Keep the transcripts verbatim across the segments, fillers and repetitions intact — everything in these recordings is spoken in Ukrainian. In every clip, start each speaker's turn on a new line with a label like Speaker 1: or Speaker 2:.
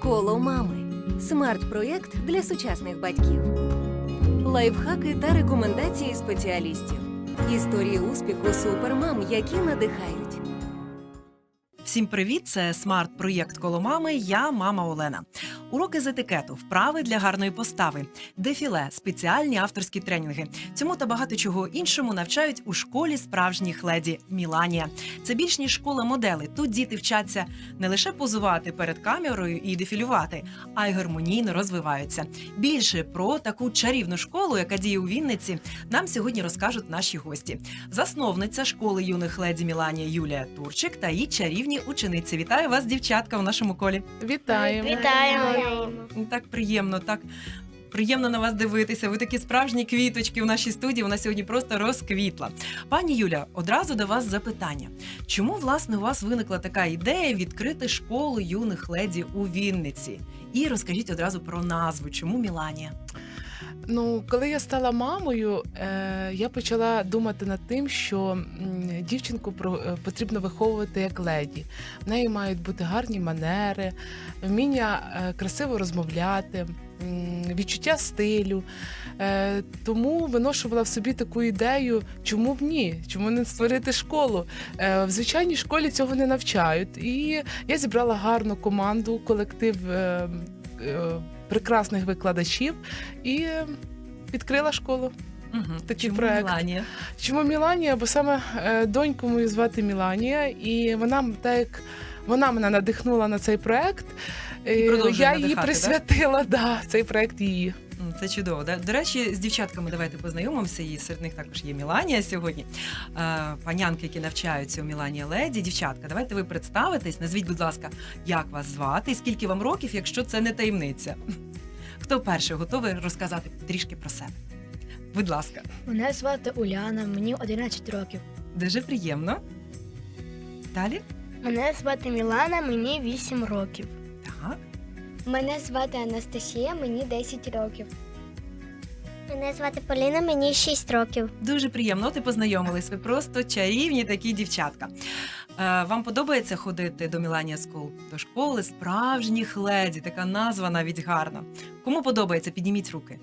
Speaker 1: Коло мами. Смарт-проєкт для сучасних батьків. Лайфхаки та рекомендації спеціалістів. Історії успіху супермам, які надихають.
Speaker 2: Всім привіт! Це смарт-проєкт «Коло мами». Я мама Олена. Уроки з етикету, вправи для гарної постави, дефіле, спеціальні авторські тренінги. Цьому та багато чого іншому навчають у школі справжніх леді «Міланія». Це більш ніж школа моделей. Тут діти вчаться не лише позувати перед камерою і дефілювати, а й гармонійно розвиваються. Більше про таку чарівну школу, яка діє у Вінниці, нам сьогодні розкажуть наші гості. Засновниця школи юних леді «Міланія» Юлія Турчик та її чарівні учениці. Вітаю вас, дівчатка, в нашому колі.
Speaker 3: Вітаємо.
Speaker 4: Вітаємо.
Speaker 2: Так приємно, так приємно на вас дивитися. Ви такі справжні квіточки у нашій студії. Вона сьогодні просто розквітла. Пані Юля, одразу до вас запитання. Чому, власне, у вас виникла така ідея відкрити школу юних леді у Вінниці? І розкажіть одразу про назву. Чому «Міланія»?
Speaker 3: Ну, коли я стала мамою, е, я почала думати над тим, що м, дівчинку про, е, потрібно виховувати як леді. В неї мають бути гарні манери, вміння е, красиво розмовляти, м, відчуття стилю. Е, тому виношувала в собі таку ідею, чому б ні, чому не створити школу. Е, в звичайній школі цього не навчають. І я зібрала гарну команду, колектив е, е, прекрасних викладачів і відкрила школу.
Speaker 2: Угу.
Speaker 3: Такий
Speaker 2: Чому
Speaker 3: проект.
Speaker 2: «Міланія»?
Speaker 3: Чому Міланія? Бо саме е, доньку мою звати Міланія, і вона так як вона мене надихнула на цей проект.
Speaker 2: І
Speaker 3: е,
Speaker 2: продовжує
Speaker 3: я її
Speaker 2: надихати,
Speaker 3: присвятила, да, цей проект її.
Speaker 2: М, Це чудово. Да? До речі, з дівчатками давайте познайомимося, і серед них також є Міланія сьогодні. Е, панянки, які навчаються у Міланія Леді. Дівчатка, давайте ви представитесь. Назвіть, будь ласка, як вас звати і скільки вам років, якщо це не таємниця. Хто перший готовий розказати трішки про себе? Будь ласка.
Speaker 4: Мене звати Уляна, мені одинадцять років.
Speaker 2: Дуже приємно. Далі?
Speaker 4: Мене звати Мілана, мені вісім років.
Speaker 2: Так.
Speaker 5: Мене звати Анастасія, мені десять років.
Speaker 6: Мене звати Поліна, мені шість років.
Speaker 2: Дуже приємно, от і познайомились. Ви просто чарівні такі дівчатка. Е, вам подобається ходити до Міланія School? До школи справжніх леді, така назва навіть гарна. Кому подобається? Підніміть руки.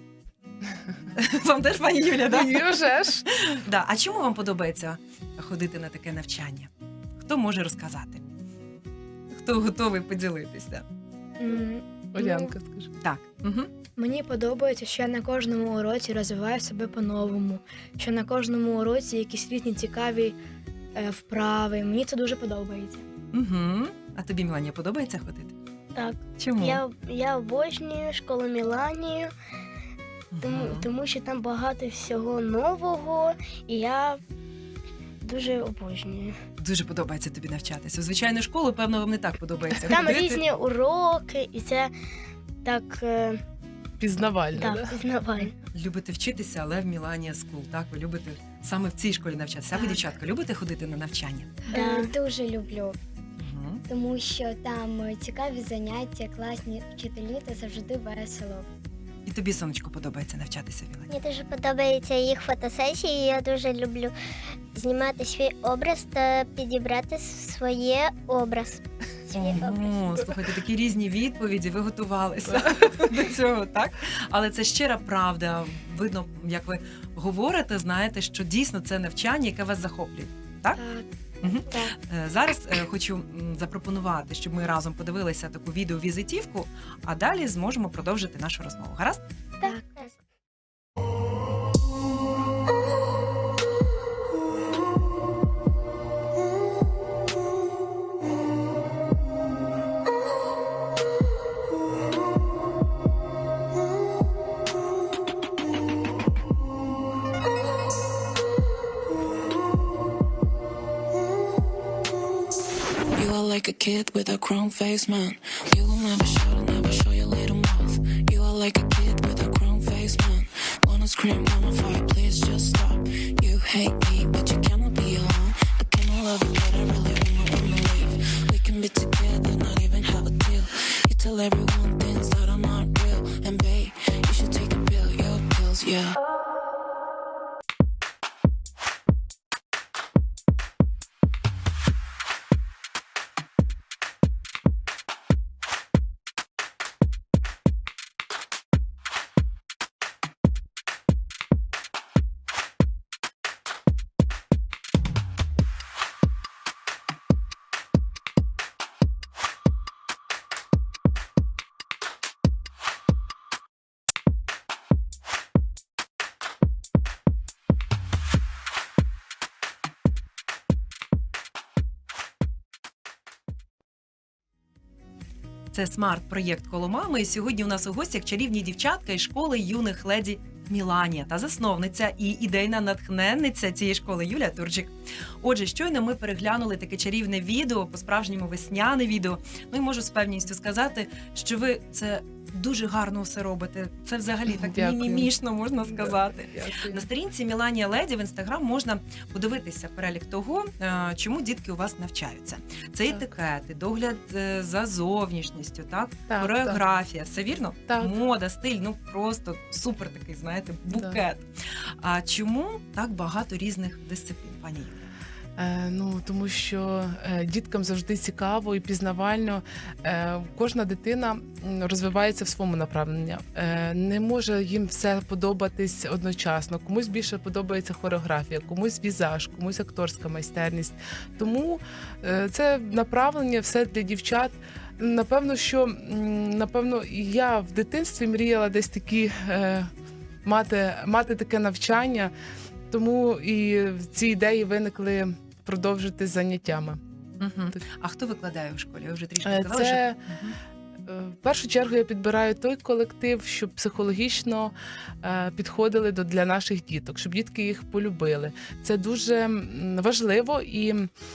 Speaker 2: Вам теж, пані Юля, да?
Speaker 3: І вже ж.
Speaker 2: Да. А чому вам подобається ходити на таке навчання? Хто може розказати? Хто готовий поділитися?
Speaker 4: М,
Speaker 3: Олянка, скажи.
Speaker 2: Так. Угу.
Speaker 4: Мені подобається, що я на кожному уроці розвиваю себе по-новому, що на кожному уроці якісь різні цікаві е, вправи. Мені це дуже подобається.
Speaker 2: Угу. А тобі, Міланія, подобається ходити?
Speaker 5: Так,
Speaker 2: Чому?
Speaker 5: я, я обожнюю школу Міланію, тому,
Speaker 2: Мгм.
Speaker 5: тому що там багато всього нового, і я дуже обожнюю.
Speaker 2: Дуже подобається тобі навчатися. У звичайну школу, певно, вам не так подобається
Speaker 5: Там
Speaker 2: ходити.
Speaker 5: різні уроки, і це так, е,
Speaker 3: Пізнавально, да?
Speaker 5: так пізнавально.
Speaker 2: Любите вчитися, але в Міланія School, так? Ви любите саме в цій школі навчатися. А ви,
Speaker 4: Так.
Speaker 2: дівчатка, любите ходити на навчання?
Speaker 5: Да.
Speaker 6: Дуже люблю,
Speaker 2: Угу.
Speaker 6: тому що там цікаві заняття, класні вчителі та завжди весело.
Speaker 2: І тобі, сонечко, подобається навчатися в Мілані?
Speaker 6: Мені дуже подобаються їх фотосесії. Я дуже люблю знімати свій образ та підібрати своє образ. Свій образ.
Speaker 2: О, слухайте, такі різні відповіді, ви готувалися до цього, так? Але це щира правда. Видно, як ви говорите, знаєте, що дійсно це навчання, яке вас захоплює. Так?
Speaker 4: Так.
Speaker 2: Мгм.
Speaker 5: Так.
Speaker 2: Е, Зараз е, хочу м, запропонувати, щоб ми разом подивилися таку відеовізитівку, а далі зможемо продовжити нашу розмову. Гаразд?
Speaker 4: Так.
Speaker 7: You are like a kid with a chrome face, man. You will never show, never show your little mouth. You are like a kid with a chrome face, man. Wanna scream, wanna fight, please just stop. You hate me, but you cannot be alone. I cannot love you, but I really wanna, wanna leave. We can be together, not even have a deal. You tell everyone things that are not real. And babe, you should take a pill, your pills, yeah.
Speaker 2: Це смарт-проєкт «Коло мами». І сьогодні у нас у гостях чарівні дівчатка із школи юних леді Міланія та засновниця і ідейна натхненниця цієї школи Юлія Турчик. Отже, щойно ми переглянули таке чарівне відео, по-справжньому весняне відео. Ну і можу з певністю сказати, що ви це дуже гарно все робите. Це взагалі так
Speaker 3: Дякую.
Speaker 2: мімімішно, можна сказати.
Speaker 3: Дякую.
Speaker 2: На сторінці Міланія Леді в інстаграм можна подивитися перелік того, е, чому дітки у вас навчаються. Це
Speaker 3: Так.
Speaker 2: етикети, догляд е, за зовнішністю, так?
Speaker 3: Так,
Speaker 2: Хореографія, все вірно?
Speaker 3: Так.
Speaker 2: Мода, стиль, ну просто супер такий, знаєте, букет. А чому так багато різних дисциплін, пані Юлія?
Speaker 3: Е, ну, тому що е, діткам завжди цікаво і пізнавально. Е, кожна дитина м, розвивається в своєму направленні. Е, не може їм все подобатись одночасно. Комусь більше подобається хореографія, комусь візаж, комусь акторська майстерність. Тому е, це направлення все для дівчат. Напевно, що м, напевно, я в дитинстві мріяла десь такі е, мати, мати таке навчання. Тому і ці ідеї виникли продовжити з заняттями.
Speaker 2: Угу.
Speaker 3: Так.
Speaker 2: А хто викладає у школі? Ви вже трішки
Speaker 3: Е,
Speaker 2: сказали,
Speaker 3: Це
Speaker 2: що... Мгм.
Speaker 3: е, в першу чергу я підбираю той колектив, щоб психологічно е, підходили до для наших діток, щоб дітки їх полюбили. Це дуже м, важливо, і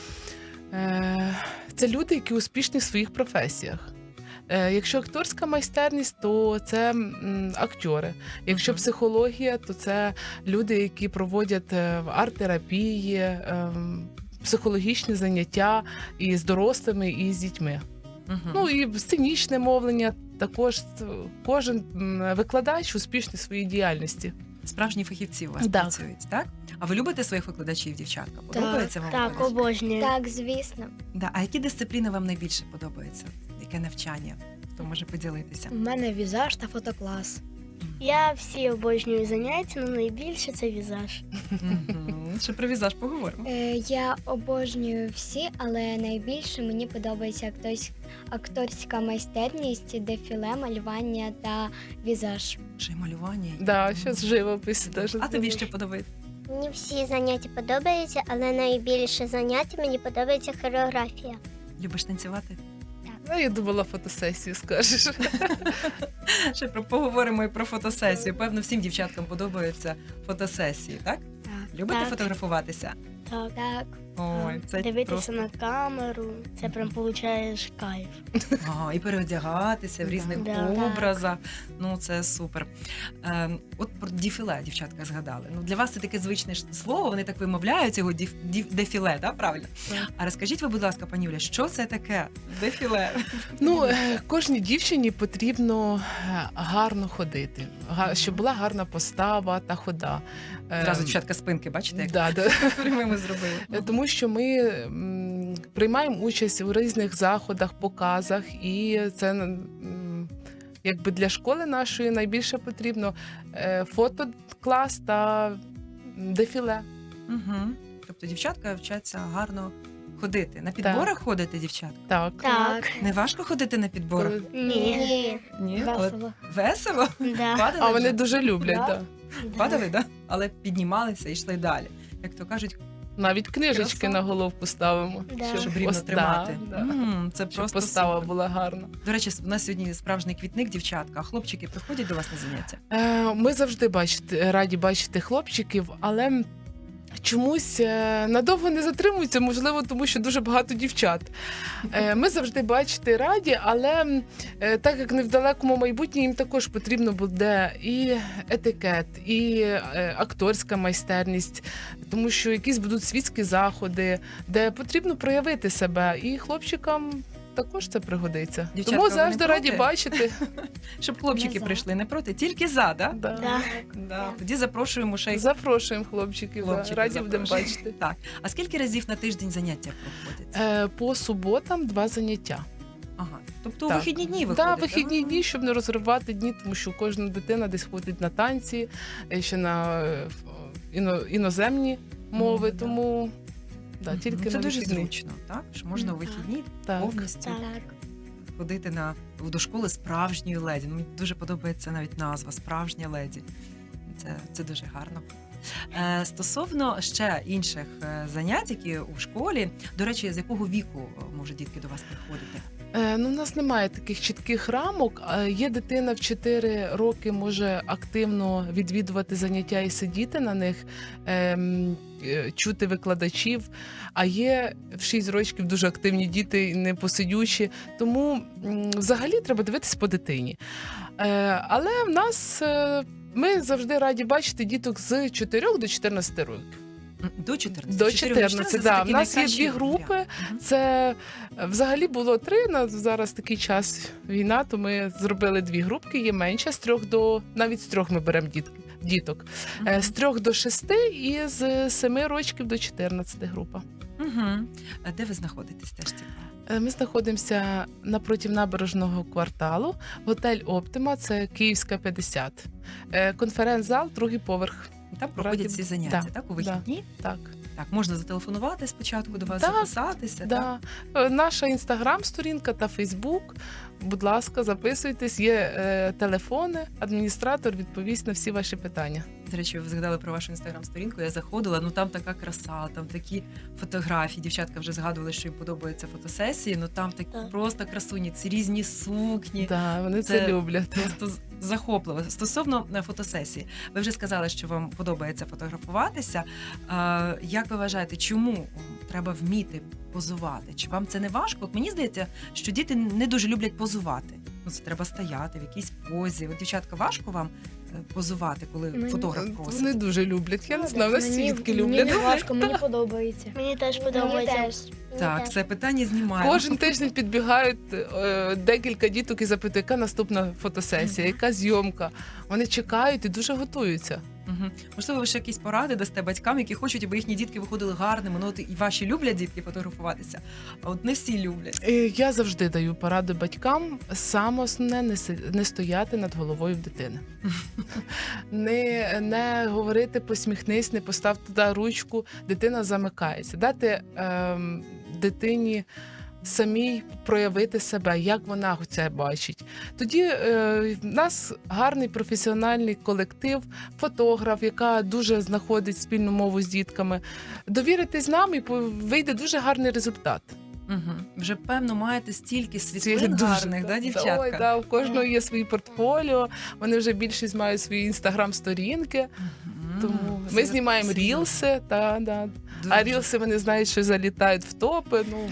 Speaker 3: е, це люди, які успішні в своїх професіях. Е, Якщо акторська майстерність, то це м, актори. Якщо
Speaker 2: Мгм.
Speaker 3: психологія, то це люди, які проводять е, арт-терапії, е, психологічні заняття і з дорослими, і з дітьми.
Speaker 2: Мгм.
Speaker 3: Ну і сценічне мовлення. Також е, кожен м, викладач успішний в своїй діяльності.
Speaker 2: Справжні фахівці у вас
Speaker 3: Так.
Speaker 2: працюють, так? А ви любите своїх викладачів, дівчатка? Подобається вам?
Speaker 5: Так,
Speaker 2: викладач?
Speaker 5: обожнюю.
Speaker 6: Так, звісно.
Speaker 2: Да. А які дисципліни вам найбільше подобаються? Яке навчання? Хто може поділитися?
Speaker 4: У мене візаж та фотоклас.
Speaker 5: Я всі обожнюю заняття, але найбільше це візаж.
Speaker 2: Мгм. Ще про візаж поговоримо.
Speaker 8: Е, Я обожнюю всі, але найбільше мені подобається актось- акторська майстерність, дефіле, малювання та візаж.
Speaker 2: Ще й малювання. і-
Speaker 3: Да, ще живопис теж.
Speaker 2: А тобі що подобається?
Speaker 6: Мені всі заняття подобаються, але найбільше заняття мені подобається хореографія.
Speaker 2: Любиш танцювати?
Speaker 3: Ну, я думала, фотосесію скажеш.
Speaker 2: Ще про поговоримо і про фотосесію. Певно, всім дівчаткам подобаються фотосесії, так?
Speaker 4: Так.
Speaker 2: Любите
Speaker 5: Так.
Speaker 2: фотографуватися?
Speaker 5: Так.
Speaker 8: Так,
Speaker 2: Ой, це
Speaker 5: Дивитися
Speaker 2: просто...
Speaker 5: на камеру, це прям получаєш кайф.
Speaker 2: Ага, і переодягатися в
Speaker 3: Да.
Speaker 2: різних
Speaker 5: Да.
Speaker 2: образах. Ну, це супер. Е, от про дефіле, дівчатка, згадали. Ну, для вас це таке звичне ж слово, вони так вимовляють його деф, деф- дефіле, да? Правильно?
Speaker 3: Так.
Speaker 2: А розкажіть ви, будь ласка, пані Юля, що це таке? Дефіле?
Speaker 3: Ну, е, кожній дівчині потрібно е, гарно ходити, га- щоб була гарна постава та хода. Е,
Speaker 2: Зразу дівчатка спинки, бачите, як
Speaker 3: Да, да.
Speaker 2: прямими зробили.
Speaker 3: Е, Тому що ми м, приймаємо участь у різних заходах, показах, і це м, якби для школи нашої найбільше потрібно е, фотоклас та дефіле.
Speaker 2: Угу. Тобто дівчатка вчаться гарно ходити. На підборах ходите, дівчатка?
Speaker 3: Так.
Speaker 5: Так.
Speaker 2: Не важко ходити на підборах?
Speaker 5: Ні.
Speaker 2: Ні, але
Speaker 8: весело.
Speaker 2: весело.
Speaker 5: Да.
Speaker 2: Падали
Speaker 3: А вони
Speaker 2: вже?
Speaker 3: дуже люблять,
Speaker 5: Да.
Speaker 3: так.
Speaker 2: Падали, да? Але піднімалися і йшли далі. Як то кажуть,
Speaker 3: Навіть книжечки
Speaker 2: Краса.
Speaker 3: на головку ставимо.
Speaker 5: Да.
Speaker 2: щоб рівно
Speaker 3: ос-
Speaker 2: тримати.
Speaker 3: да, да.
Speaker 2: М, це
Speaker 3: Щоб
Speaker 2: просто
Speaker 3: постава
Speaker 2: супер.
Speaker 3: була гарна.
Speaker 2: До речі, у нас сьогодні справжній квітник, дівчатка. А хлопчики приходять до вас на заняття?
Speaker 3: Е, Ми завжди бачити, раді бачити хлопчиків, але чомусь е, надовго не затримуються, можливо, тому що дуже багато дівчат. Е, Ми завжди бачити раді, але е, так як не в далекому майбутнє, їм також потрібно буде і етикет, і е, акторська майстерність, тому що якісь будуть світські заходи, де потрібно проявити себе, і хлопчикам також це пригодиться.
Speaker 2: Дівчатка,
Speaker 3: Тому
Speaker 2: ви
Speaker 3: завжди
Speaker 2: не
Speaker 3: раді
Speaker 2: проти?
Speaker 3: бачити.
Speaker 2: Щоб хлопчики
Speaker 5: Не за.
Speaker 2: прийшли не проти, тільки за, да?
Speaker 3: Да.
Speaker 5: Да.
Speaker 2: Да. Тоді запрошуємо ще й
Speaker 3: Запрошуємо хлопчиків, да.
Speaker 2: хлопчиків.
Speaker 3: раді будемо
Speaker 2: запрошуємо.
Speaker 3: бачити.
Speaker 2: Так. А скільки разів на тиждень заняття проходять?
Speaker 3: Е, По суботам два заняття.
Speaker 2: Ага. Тобто у
Speaker 3: Так.
Speaker 2: вихідні дні
Speaker 3: Так,
Speaker 2: виходить?
Speaker 3: да, вихідні дні, щоб не розривати дні, тому що кожна дитина десь ходить на танці, е, ще на е, іно, іноземні мови,
Speaker 2: да.
Speaker 3: тому да,
Speaker 2: Мгм.
Speaker 3: тільки
Speaker 2: Це
Speaker 3: на
Speaker 2: дуже
Speaker 3: вихідні.
Speaker 2: зручно, так? Що можна у
Speaker 5: Так.
Speaker 2: вихідні
Speaker 3: Так.
Speaker 2: повністю
Speaker 5: Так.
Speaker 2: ходити на до школи справжньої леді. Ну, мені дуже подобається навіть назва справжня леді. Це, це дуже гарно. Е, стосовно ще інших е, занять, які у школі, до речі, з якого віку е, може дітки до вас приходити?
Speaker 3: Е, Ну, у нас немає таких чітких рамок. Е, Є дитина в чотири роки може активно відвідувати заняття і сидіти на них, ем, е, чути викладачів. А є в шість років дуже активні діти, і непосидючі. Тому м, взагалі треба дивитись по дитині. Е, Але в нас е, ми завжди раді бачити діток з чотирьох до чотирнадцяти років.
Speaker 2: М, До чотирнадцяти.
Speaker 3: До
Speaker 2: чотири
Speaker 3: чотирнадцяти,
Speaker 2: це
Speaker 3: да.
Speaker 2: такі
Speaker 3: У нас є
Speaker 2: найкращі
Speaker 3: дві групи.
Speaker 2: варіанти. Мгм.
Speaker 3: Це е, взагалі було три. На зараз такий час війна, то ми зробили дві групки. Є менше з трьох до навіть з трьох ми беремо діт, діток. Е,
Speaker 2: Мгм.
Speaker 3: З трьох до шести і з семи років до чотирнадцяти група.
Speaker 2: Мгм. А де ви знаходитесь? Теж цікаво.
Speaker 3: Е, Ми знаходимося напроти набережного кварталу. Готель Оптима, це Київська п'ятдесят. Е, Конференц-зал, другий поверх.
Speaker 2: Там проходять
Speaker 3: Раді-
Speaker 2: ці заняття,
Speaker 3: да,
Speaker 2: так, у
Speaker 3: да.
Speaker 2: вихідні?
Speaker 3: Так.
Speaker 2: Так, можна зателефонувати спочатку до вас,
Speaker 3: Так,
Speaker 2: записатися. Так?
Speaker 3: Да. Е, Наша інстаграм-сторінка та Фейсбук. Будь ласка, записуйтесь. Є е, телефони. Адміністратор відповість на всі ваші питання.
Speaker 2: До речі, ви згадали про вашу інстаграм-сторінку. Я заходила, ну там така краса, там такі фотографії. Дівчатка вже згадували, що їм подобаються фотосесії. Ну там такі
Speaker 6: Так.
Speaker 2: просто красуні, ці різні сукні.
Speaker 3: Да, вони це,
Speaker 2: Це
Speaker 3: люблять.
Speaker 2: Просто з- захопливо. Стосовно е, фотосесії, ви вже сказали, що вам подобається фотографуватися. Е, Як ви вважаєте, чому м, треба вміти позувати? Чи вам це не важко? От мені здається, що діти не дуже люблять позувати. Ну, це треба стояти в якійсь позі. От, дівчатка, важко вам е, позувати, коли
Speaker 4: Мені-
Speaker 2: фотограф просить?
Speaker 3: Вони дуже люблять. Я не знаю, у нас всі
Speaker 4: Мені,
Speaker 3: дітки
Speaker 4: мені
Speaker 3: люблять.
Speaker 4: не важко, мені подобається.
Speaker 6: Мені теж
Speaker 8: Мені
Speaker 6: подобається.
Speaker 8: теж.
Speaker 6: Мені
Speaker 2: Так,
Speaker 6: теж.
Speaker 2: це питання знімаємо.
Speaker 3: Кожен тиждень підбігають е, декілька діток і запитують, яка наступна фотосесія, яка зйомка. Вони чекають і дуже готуються.
Speaker 2: Мгм. Можливо, ви ще якісь поради дасте батькам, які хочуть, аби їхні дітки виходили гарними. Ну, от і ваші люблять дітки фотографуватися, а от не всі люблять.
Speaker 3: І я завжди даю пораду батькам. Саме основне не, си- не стояти над головою в дитини. Не, не говорити посміхнись, не постав туди ручку, дитина замикається. Дати ем, дитині самій проявити себе, як вона це бачить. Тоді е, в нас гарний професіональний колектив, фотограф, яка дуже знаходить спільну мову з дітками. Довіритись нам і по- вийде дуже гарний результат.
Speaker 2: Угу. Вже певно маєте стільки
Speaker 3: Ці
Speaker 2: світлин
Speaker 3: дуже-
Speaker 2: гарних, да, дівчатка?
Speaker 3: Ой, да, у кожного є свої портфоліо, вони вже більшість мають свої інстаграм-сторінки,
Speaker 2: Мгм.
Speaker 3: тому
Speaker 2: Це
Speaker 3: ми знімаємо
Speaker 2: серйозно.
Speaker 3: рілси, та, да.
Speaker 2: Дуже.
Speaker 3: А рілси вони знають, що залітають в топи. Ну,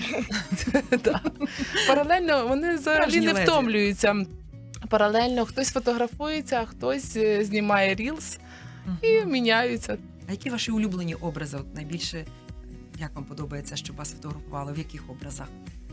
Speaker 3: да. Паралельно вони взагалі
Speaker 2: Справжні
Speaker 3: не
Speaker 2: леді.
Speaker 3: втомлюються. Паралельно хтось фотографується, а хтось е, знімає рілс
Speaker 2: Мгм.
Speaker 3: і міняються.
Speaker 2: А які ваші улюблені образи? От найбільше, як вам подобається, щоб вас фотографували? В яких образах?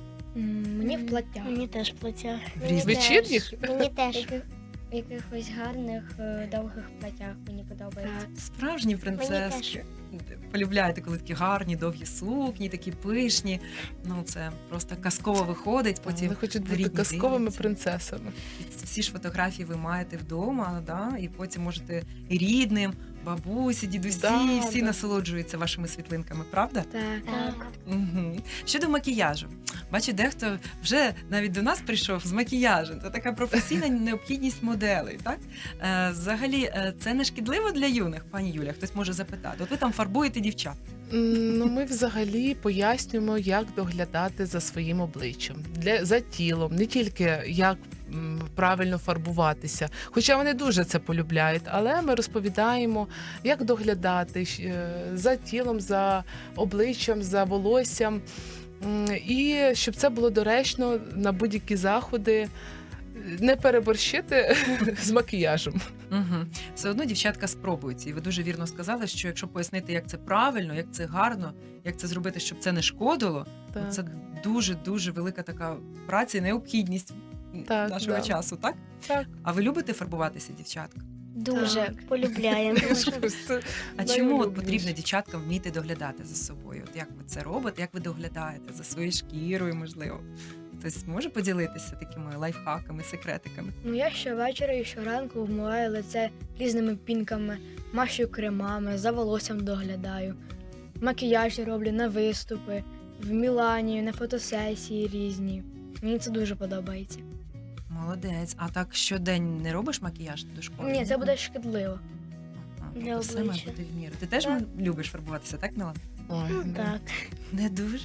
Speaker 4: М, Мені в платтях.
Speaker 6: Мені теж плаття.
Speaker 2: В
Speaker 6: Мені
Speaker 2: різних?
Speaker 6: теж.
Speaker 3: Вечірніх?
Speaker 6: Мені теж.
Speaker 8: Яких, якихось гарних е, довгих платях мені подобається.
Speaker 4: Так.
Speaker 2: Справжні
Speaker 6: Мені
Speaker 2: принцески. Полюбляєте, коли такі гарні, довгі сукні, такі пишні. Ну, це просто казково виходить. Потім
Speaker 3: Вони хочуть бути
Speaker 2: рідні
Speaker 3: казковими
Speaker 2: дивляться.
Speaker 3: принцесами.
Speaker 2: І всі ж фотографії ви маєте вдома, да? І потім можете і рідним, бабусі, дідусі,
Speaker 3: Да,
Speaker 2: всі
Speaker 3: да.
Speaker 2: насолоджуються вашими світлинками, правда?
Speaker 4: Так.
Speaker 6: Так.
Speaker 2: Угу. Щодо макіяжу, бачу, дехто вже навіть до нас прийшов з макіяжем. Це така професійна необхідність моделей. Так е, взагалі, е, це не шкідливо для юних, пані Юля. Хтось може запитати. От ви там фарбуєте дівчат.
Speaker 3: М, Ну, ми взагалі пояснюємо, як доглядати за своїм обличчям, для, за тілом, не тільки як м, правильно фарбуватися. Хоча вони дуже це полюбляють, але ми розповідаємо, як доглядати щ- е, за тілом, за обличчям, за волоссям. М, І щоб це було доречно на будь-які заходи, не переборщити з макіяжем.
Speaker 2: Угу. Все одно дівчатка спробують. І ви дуже вірно сказали, що якщо пояснити, як це правильно, як це гарно, як це зробити, щоб це не шкодило,
Speaker 3: Так.
Speaker 2: ну, це дуже дуже велика така праця і необхідність
Speaker 3: Так,
Speaker 2: нашого
Speaker 3: да.
Speaker 2: часу, так?
Speaker 3: Так.
Speaker 2: А ви любите фарбуватися, дівчатка?
Speaker 6: Дуже
Speaker 4: Так.
Speaker 6: полюбляємо.
Speaker 3: Просто
Speaker 2: А чому от
Speaker 3: найулюбленіше.
Speaker 2: потрібно дівчаткам вміти доглядати за собою? От як ви це робите? Як ви доглядаєте за своєю шкірою, можливо? Хтось може поділитися такими лайфхаками, секретиками?
Speaker 4: Ну я щовечора і щоранку вмиваю лице різними пінками, мащу кремами, за волоссям доглядаю. Макіяжі роблю на виступи, в Мілані, на фотосесії різні. Мені це дуже подобається.
Speaker 2: Молодець. А так щодень не робиш макіяж до школи?
Speaker 4: Ні, це буде шкідливо.
Speaker 2: Ага,
Speaker 6: для
Speaker 2: тобто все має
Speaker 6: обличчя.
Speaker 2: бути в міру. Ти теж
Speaker 6: Так.
Speaker 2: любиш фарбуватися, так, Мілан?
Speaker 3: Ой,
Speaker 6: Ну,
Speaker 3: да.
Speaker 6: так.
Speaker 2: Не дуже?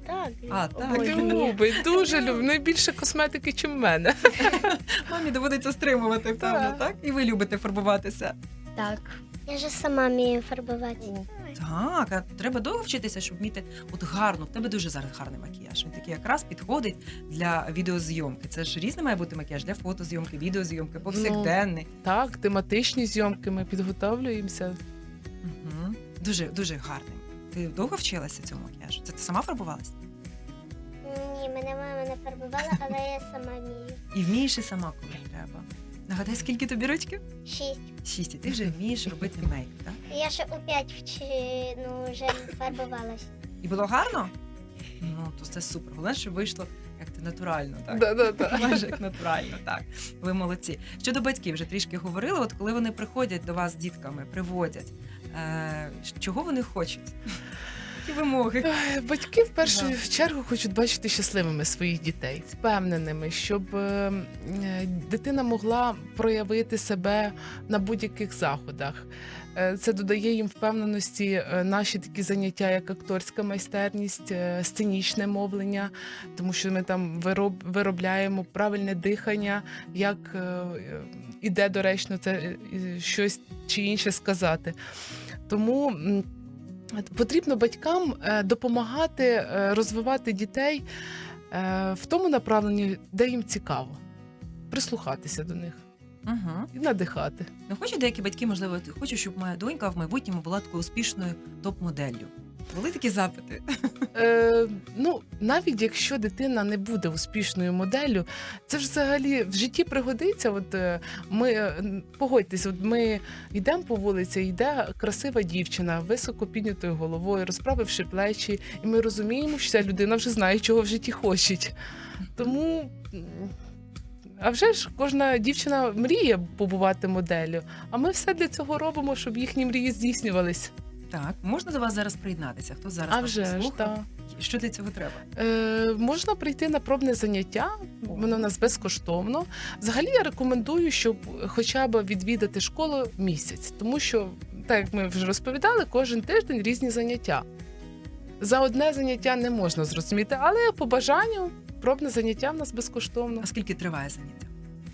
Speaker 5: Так,
Speaker 2: А, так.
Speaker 5: обожнюю.
Speaker 3: Любить, дуже любить. Найбільше косметики, ніж в мене.
Speaker 2: Мамі доводиться стримувати, певно,
Speaker 3: Так.
Speaker 2: так? І ви любите фарбуватися.
Speaker 8: Так.
Speaker 6: Я ж сама вмію фарбувати.
Speaker 2: Так, а треба довго вчитися, щоб вміти от гарно. В тебе дуже зараз гарний макіяж. Він такий якраз підходить для відеозйомки. Це ж різний має бути макіяж для фотозйомки, відеозйомки, повсякденний.
Speaker 3: Так, тематичні зйомки ми підготовлюємося.
Speaker 2: Угу. Дуже, дуже гарний. Ти довго вчилася цьому макіяжу? Це ти сама фарбувалася?
Speaker 6: Ні, мене мама не фарбувала, але я сама вмію.
Speaker 2: І вмієш і сама, коли треба. Нагадай, скільки тобі рочків?
Speaker 6: Шість.
Speaker 2: Шість. І ти вже вмієш робити мейк, так?
Speaker 6: Я ще у п'ять вчи... ну, вже фарбувалась.
Speaker 2: І було гарно? Ну, то це супер. Головне, щоб вийшло як ти натурально, так?
Speaker 3: Да-да-да.
Speaker 2: Майже як натурально, так. Ви молодці. Щодо батьків, вже трішки говорили, от коли вони приходять до вас з дітками, приводять, е, чого вони хочуть? Які вимоги?
Speaker 3: Е, Батьки в першу
Speaker 2: Да.
Speaker 3: чергу хочуть бачити щасливими своїх дітей, впевненими, щоб е, е, дитина могла проявити себе на будь-яких заходах. Е, Це додає їм впевненості е, наші такі заняття, як акторська майстерність, е, сценічне мовлення, тому що ми там вироб, виробляємо правильне дихання, як е, е, іде доречно це е, е, щось чи інше сказати. Тому м, потрібно батькам е, допомагати е, розвивати дітей е, в тому направленні, де їм цікаво, прислухатися до них
Speaker 2: Угу.
Speaker 3: і надихати.
Speaker 2: Ну, хочуть деякі батьки, можливо, хочу, щоб моя донька в майбутньому була такою успішною топ-моделлю. Були такі запити?
Speaker 3: Е, ну, навіть якщо дитина не буде успішною моделлю, це ж взагалі в житті пригодиться. От е, ми е, погодьтесь, от ми йдемо по вулиці, йде красива дівчина, високо піднятою головою, розправивши плечі, і ми розуміємо, що ця людина вже знає, чого в житті хоче. Тому. м, А вже ж кожна дівчина мріє побувати моделлю, а ми все для цього робимо, щоб їхні мрії здійснювались.
Speaker 2: Так, можна до вас зараз приєднатися? Хто зараз
Speaker 3: А
Speaker 2: вас
Speaker 3: вже ж,
Speaker 2: послухав?
Speaker 3: так.
Speaker 2: Що для цього треба?
Speaker 3: Е, можна прийти на пробне заняття, воно у нас безкоштовно. Взагалі я рекомендую, щоб хоча б відвідати школу місяць, тому що, так як ми вже розповідали, кожен тиждень різні заняття. За одне заняття не можна зрозуміти, але по бажанню пробне заняття в нас безкоштовно.
Speaker 2: А скільки триває заняття?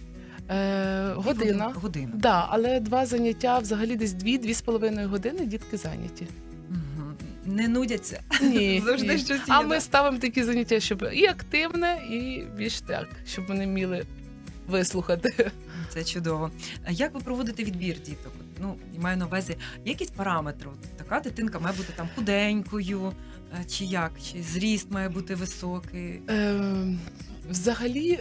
Speaker 3: Е, година.
Speaker 2: Година.
Speaker 3: Да, але два заняття взагалі десь дві-дві з половиною години дітки зайняті.
Speaker 2: Угу. Не нудяться.
Speaker 3: Ні,
Speaker 2: Завжди
Speaker 3: ні.
Speaker 2: щось є.
Speaker 3: А
Speaker 2: да?
Speaker 3: ми ставимо такі заняття, щоб і активне, і більш так, щоб вони вміли вислухати.
Speaker 2: Це чудово. А як ви проводите відбір діток? От, Ну, я маю на увазі, є якісь параметри? От така дитинка має бути там худенькою, е, чи як? Чи зріст має бути високий?
Speaker 3: Е, взагалі,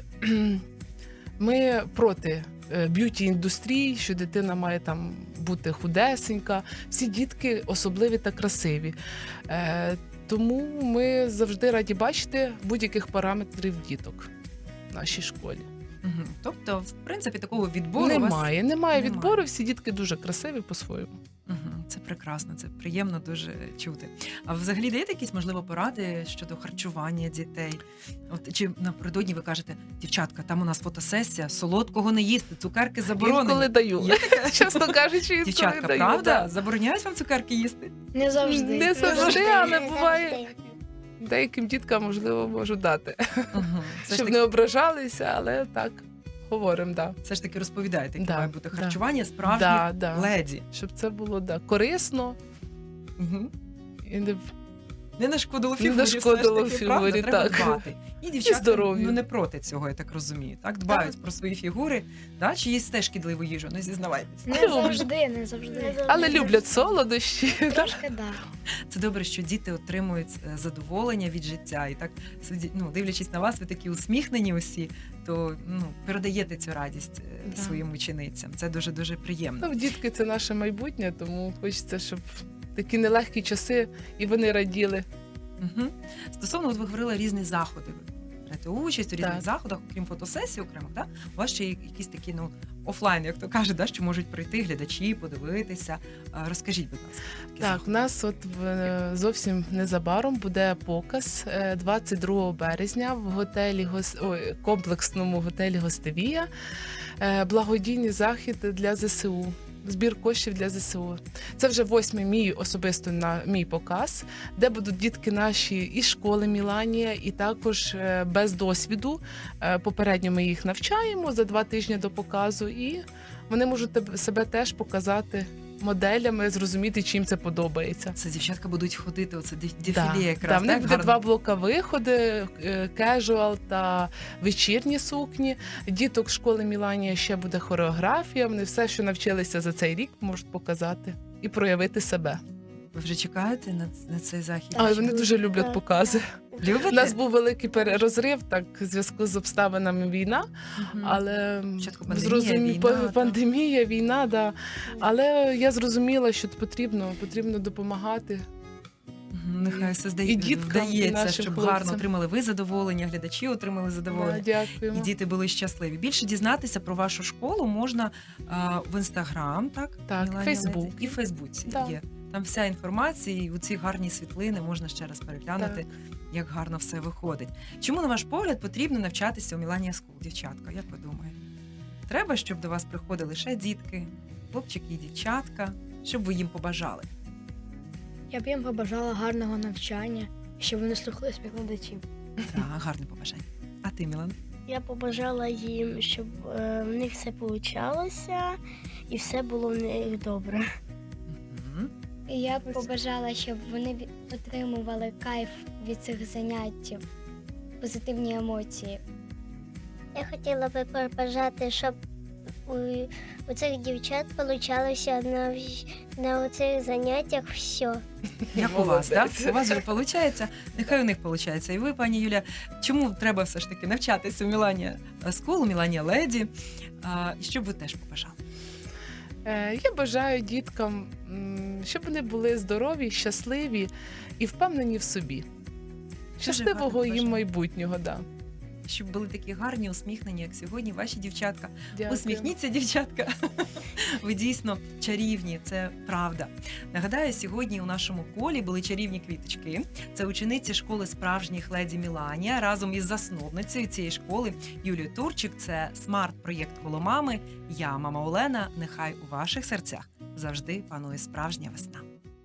Speaker 3: ми проти е, б'юті-індустрії, що дитина має там бути худесенька. Всі дітки особливі та красиві. Е, тому ми завжди раді бачити будь-яких параметрів діток в нашій школі.
Speaker 2: Угу. Тобто, в принципі, такого відбору у вас...
Speaker 3: Немає, немає
Speaker 2: немає.
Speaker 3: відбору, всі дітки дуже красиві по-своєму.
Speaker 2: Угу. Це прекрасно, це приємно дуже чути. А взагалі даєте якісь, можливо, поради щодо харчування дітей? От чи напередодні ви кажете, дівчатка, там у нас фотосесія, солодкого не їсти, цукерки заборонені.
Speaker 3: Інколи даю.
Speaker 2: Є таке?
Speaker 3: Чесно кажучи, інколи
Speaker 2: Дівчатка,
Speaker 3: даю.
Speaker 2: правда?
Speaker 3: да.
Speaker 2: Забороняють вам цукерки їсти?
Speaker 4: Не завжди.
Speaker 3: Не завжди, але
Speaker 6: Не
Speaker 3: буває.
Speaker 6: завжди.
Speaker 3: Деяким діткам, можливо, можу дати,
Speaker 2: Угу. Все, ж
Speaker 3: щоб
Speaker 2: таки,
Speaker 3: не ображалися, але так, говоримо, да.
Speaker 2: все ж таки розповідаєте, яке
Speaker 3: Да,
Speaker 2: має бути
Speaker 3: да.
Speaker 2: харчування справжніх
Speaker 3: Да, да.
Speaker 2: леді.
Speaker 3: Щоб це було да, корисно
Speaker 2: Угу.
Speaker 3: і не
Speaker 2: Не нашкодило
Speaker 3: Не
Speaker 2: фігурі,
Speaker 3: нашкодило
Speaker 2: все ж таки,
Speaker 3: фігурі,
Speaker 2: правда? Треба
Speaker 3: так.
Speaker 2: дбати. І дівчата
Speaker 3: здоров'ю.
Speaker 2: ну, не проти цього, я так розумію. Так, дбають про свої фігури, да? Чи їсть теж шкідливу їжу, не зізнавайтесь.
Speaker 4: Не завжди, не завжди.
Speaker 3: але люблять солодощі.
Speaker 4: Трошки да.
Speaker 2: Це добре, що діти отримують е, задоволення від життя. І так, сиді- ну, дивлячись на вас, ви такі усміхнені усі, то ну, передаєте цю радість е,
Speaker 3: Да.
Speaker 2: своїм ученицям. Це дуже-дуже приємно.
Speaker 3: Ну, дітки це наше майбутнє, тому хочеться, щоб такі нелегкі часи і вони раділи.
Speaker 2: Угу. Стосовно, от ви говорили різні заходи. Ви берете участь у різних
Speaker 3: Так.
Speaker 2: заходах, окрім фотосесії окремо, да? У вас ще є якісь такі ну, офлайн, як то кажуть, да? Що можуть прийти глядачі, подивитися. А, розкажіть, будь ласка. такі
Speaker 3: Так, у
Speaker 2: заходи.
Speaker 3: нас от в- зовсім незабаром буде показ е, двадцять другого березня в готелі гос- ой, комплексному готелі Гостевія. Е, Благодійний захід для ЗСУ. збір коштів для зе се у. Це вже восьмий мій особисто на мій показ, де будуть дітки наші із школи Міланія, і також е, без досвіду. Е, Попередньо ми їх навчаємо за два тижні до показу, і вони можуть тебе- себе теж показати моделями, зрозуміти, чим це подобається.
Speaker 2: Це дівчатка будуть ходити, оце деф-
Speaker 3: Да,
Speaker 2: дефіле
Speaker 3: да,
Speaker 2: якраз.
Speaker 3: в них
Speaker 2: так,
Speaker 3: буде
Speaker 2: гарно?
Speaker 3: два блока виходи: кежуал та вечірні сукні. Діток школи Міланія ще буде хореографія. Вони все, що навчилися за цей рік, можуть показати і проявити себе.
Speaker 2: Ви вже чекаєте на, на цей захід?
Speaker 3: Але вони дуже люблять
Speaker 5: Так.
Speaker 3: покази.
Speaker 2: Любите?
Speaker 3: У нас був великий перерозрив, так, в зв'язку з обставинами війна,
Speaker 2: Мгм.
Speaker 3: але
Speaker 2: Спочатку пандемія,
Speaker 3: зрозумі-
Speaker 2: війна,
Speaker 3: по-
Speaker 2: так.
Speaker 3: пандемія, війна, да. Але я зрозуміла, що потрібно, потрібно допомагати.
Speaker 2: Мгм, Нехай все здає,
Speaker 3: І діткам, і
Speaker 2: вдається,
Speaker 3: нашим
Speaker 2: щоб
Speaker 3: хлопцям.
Speaker 2: гарно отримали ви задоволення, глядачі отримали задоволення.
Speaker 3: Да,
Speaker 2: І
Speaker 3: дякуємо.
Speaker 2: діти були щасливі. Більше дізнатися про вашу школу можна а, в інстаграм, так?
Speaker 3: Так,
Speaker 2: Міланія
Speaker 3: Фейсбук.
Speaker 2: Леді. І в Фейсбуці
Speaker 3: Да.
Speaker 2: є. Там вся інформація, і у ці гарні світлини можна ще раз переглянути,
Speaker 3: Так.
Speaker 2: як гарно все виходить. Чому, на ваш погляд, потрібно навчатися у Міланія Скул, дівчатка? Як ви думаєте? Треба, щоб до вас приходили ще дітки, хлопчики і дівчатка, щоб ви їм побажали?
Speaker 4: Я б їм побажала гарного навчання, щоб вони слухали співкладачів.
Speaker 2: Так, гарне побажання. А ти, Мілан?
Speaker 5: Я побажала їм, щоб е, в них все получалося і все було в них добре.
Speaker 2: Мгм.
Speaker 8: І я б побажала, щоб вони ві- отримували кайф від цих занять, позитивні емоції.
Speaker 6: Я хотіла би побажати, щоб у, у цих дівчат получалося на, всь- на цих заняттях все.
Speaker 2: Як у вас, так?
Speaker 3: Молодець.
Speaker 2: У вас же виходить, нехай у них виходить. І ви, пані Юля, чому треба все ж таки навчатися у Міланія Скул, у Міланія Леді? А, і що б ви теж побажали?
Speaker 3: Е, Я бажаю діткам, м, щоб вони були здорові, щасливі і впевнені в собі. Щасливого
Speaker 2: гарне
Speaker 3: їм
Speaker 2: бажання.
Speaker 3: майбутнього, да.
Speaker 2: Щоб були такі гарні, усміхнені, як сьогодні, ваші дівчатка.
Speaker 3: Дякую.
Speaker 2: Усміхніться, дівчатка. Ви дійсно чарівні, це правда. Нагадаю, сьогодні у нашому колі були чарівні квіточки. Це учениці школи справжніх леді Міланія разом із засновницею цієї школи Юлією Турчик. Це смарт-проєкт коло мами. Я, мама Олена. Нехай у ваших серцях завжди панує справжня весна.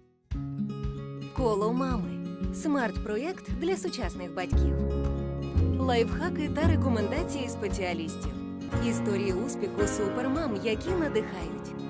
Speaker 1: Коло мами. Смарт-проєкт для сучасних батьків. Лайфхаки та рекомендації спеціалістів. Історії успіху супермам, які надихають.